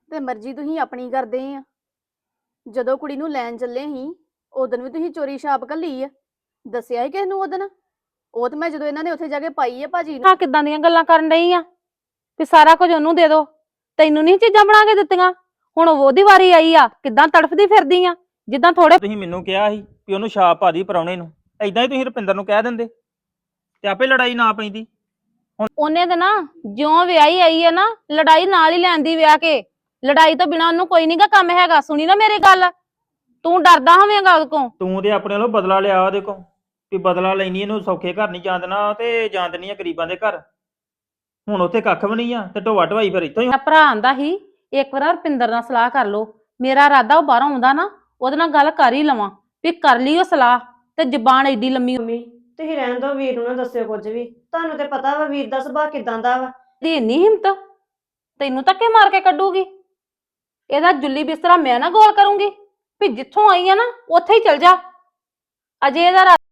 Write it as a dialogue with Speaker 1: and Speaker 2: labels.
Speaker 1: ਤੇ ਮਰਜ਼ੀ ਤੁਸੀਂ ਆਪਣੀ ਕਰਦੇ ਆ। ਜਦੋਂ ਕੁੜੀ ਨੂੰ ਲੈਣ ਚੱਲੇ ਸੀ ਉਦੋਂ ਵੀ ਤੁਸੀਂ ਚੋਰੀ ਛਾਪ ਘੱਲੀ ਆ, ਦੱਸਿਆ ਹੀ ਕਿਸ ਨੂੰ ਉਦੋਂ? ਉਹ ਤੇ ਮੈਂ ਜਦੋਂ ਇਹਨਾਂ ਨੇ ਉੱਥੇ ਜਾ ਕੇ ਪਾਈ ਆ ਭਾਜੀ ਨੂੰ।
Speaker 2: ਹਾਂ ਕਿੱਦਾਂ ਦੀਆਂ ਗੱਲਾਂ ਕਰਨ ਡਈ ਆ ਵੀ ਸਾਰਾ ਕੁਝ ਉਹਨੂੰ ਦੇ ਦੋ, ਤੈਨੂੰ ਨਹੀਂ ਚੀਜ਼ਾਂ ਬਣਾ ਕੇ ਦਿੱਤੀਆਂ? ਹੁਣ ਉਹਦੀ ਵਾਰੀ ਆਈ ਆ, ਕਿੱਦਾਂ ਤੜਫਦੀ ਫਿਰਦੀ ਆ ਜਿੱਦਾਂ ਥੋੜੇ।
Speaker 3: ਤੁਸੀਂ ਮੈਨੂੰ ਕਿਹਾ ਸੀ ਵੀ ਉਹਨੂੰ ਛਾਪ ਪਾ ਦੀ ਪਰਾਉਣੇ ਨੂੰ, ਐਦਾਂ ਹੀ ਤੁਸੀਂ ਰੁਪਿੰਦਰ ਨੂੰ ਕਹਿ ਦਿੰਦੇ ਤੇ ਆਪੇ ਲੜਾਈ ਨਾ ਪੈਂਦੀ।
Speaker 2: ਉਹਨੇ ਤੇ ਨਾ ਜਿਉਂ ਵਿਆਹੀ ਆਈ ਹੈ ਨਾ, ਲੜਾਈ ਨਾਲ ਹੀ ਲੈਂਦੀ ਵਿਆਹ ਕੇ। ਲੜਾਈ ਤੋਂ ਬਿਨਾ ਉਹਨੂੰ ਕੋਈ ਨਹੀਂਗਾ ਕੰਮ ਹੈਗਾ। ਸੁਣੀ ਨਾ ਮੇਰੀ ਗੱਲ, ਤੂੰ ਡਰਦਾ ਹੋਵੇਂਗਾ ਉਹਦੇ ਕੋਲ।
Speaker 3: ਤੂੰ ਤੇ ਆਪਣੇ ਵੱਲੋਂ ਬਦਲਾ ਲਿਆ ਉਹਦੇ ਕੋਲ ਵੀ ਬਦਲਾ ਲੈਣੀ, ਇਹਨੂੰ ਸੌਖੇ ਘਰ ਨਹੀਂ ਜਾਣ ਦੇਣਾ ਤੇ ਜਾਣ ਦੇਣੀ ਆ ਗਰੀਬਾਂ ਦੇ ਘਰ। ਹੁਣ ਉੱਥੇ ਕੱਖ ਵੀ ਨਹੀਂ ਆ ਤੇ ਢੋਆ ਢਵਾਈ ਫਿਰ ਇੱਥੋਂ ਹੀ।
Speaker 2: ਮੇਰਾ ਭਰਾ ਆਂਦਾ ਸੀ ਇੱਕ ਵਾਰ ਰੁਪਿੰਦਰ ਨਾਲ ਸਲਾਹ ਕਰ ਲੋ। ਮੇਰਾ ਇਰਾਦਾ ਉਹ ਬਾਹਰੋਂ ਆਉਂਦਾ ਨਾ, ਉਹਦੇ ਨਾਲ ਗੱਲ ਕਰ ਹੀ ਲਵਾਂ ਵੀ ਕਰ ਲਈ ਉਹ ਸਲਾਹ। ਤੇ ਜ਼ਬਾਨ ਐਡੀ ਲੰਮੀ
Speaker 4: ਮੰਮੀ ਤੁਸੀਂ ਰਹਿਣ ਦਿਓ, ਵੀਰ ਨੂੰ ਨਾ ਦੱਸਿਓ ਕੁਝ ਵੀ। ਤੁਹਾਨੂੰ ਤੇ ਪਤਾ ਵਾ ਵੀਰ ਦਾ ਸੁਭਾਅ ਕਿਦਾਂ ਦਾ ਵਾ।
Speaker 2: ਦੀ ਇੰਨੀ ਹਿੰਮਤ, ਤੈਨੂੰ ਧੱਕੇ ਮਾਰ ਕੇ ਕੱਢੂਗੀ। ਇਹਦਾ ਜੁੱਲੀ ਬਿਸਤਰਾ ਮੈਂ ਨਾ ਗੋਲ ਕਰੂੰਗੀ ਵੀ ਜਿੱਥੋਂ ਆਈ ਆ ਨਾ ਉੱਥੇ ਹੀ ਚਲ ਜਾ। ਅਜੇ ਇਹਦਾ